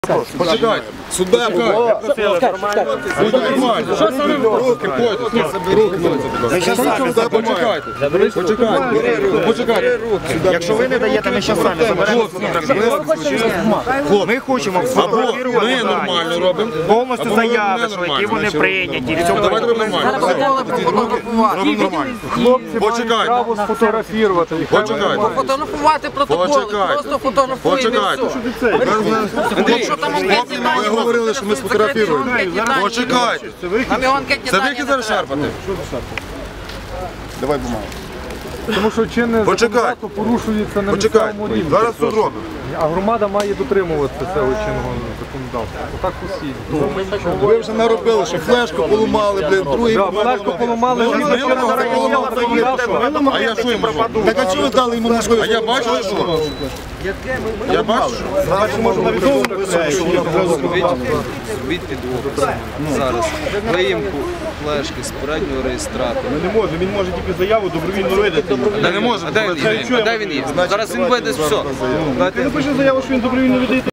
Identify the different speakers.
Speaker 1: Почекайте. Сюда буде. Що саме руки Почекайте.
Speaker 2: Якщо ви не даєте, ми зараз самі заберемо фотографію. Ми хочемо фотографувати.
Speaker 1: Ми нормально робимо.
Speaker 2: Повністю заяви, які вони прийняті.
Speaker 1: Давайте робимо нормально.
Speaker 3: Хлопці мають
Speaker 1: Почекайте.
Speaker 3: право сфотографувати.
Speaker 1: Почекайте.
Speaker 4: Фотографувати протоколи, просто фотографуємо і
Speaker 1: Почекайте.
Speaker 4: все. Якщо там анкетні дані,
Speaker 1: Ми говорили, що ми сфотографуємо. Почекайте.
Speaker 4: нам його анкетні
Speaker 1: Це
Speaker 4: дані
Speaker 1: ви які
Speaker 4: не
Speaker 1: зараз
Speaker 4: треба.
Speaker 1: шарпати? Давай бумагу.
Speaker 3: Тому що чинне
Speaker 1: Почекайте.
Speaker 3: законодавство порушується на
Speaker 1: Почекайте.
Speaker 3: місцевому рівні.
Speaker 1: Зараз суд робимо.
Speaker 3: А громада має дотримуватися цього чинного законодавства. Отак усі.
Speaker 1: Ви вже наробили, що флешку поламали, блин, другий
Speaker 3: Флешку поламали,
Speaker 1: А я що йому зроблю? Так а чого ви дали йому можливість? А я бачу, що? Я бачу,
Speaker 5: Зробіть підвох зараз. Виїмку флешки з переднього реєстратора.
Speaker 6: Не може, він може тільки заяву добровільно видати.
Speaker 1: не можу.
Speaker 5: А де він є? Зараз він вийде з все.
Speaker 6: Він напише заяву, що він добровільно видає.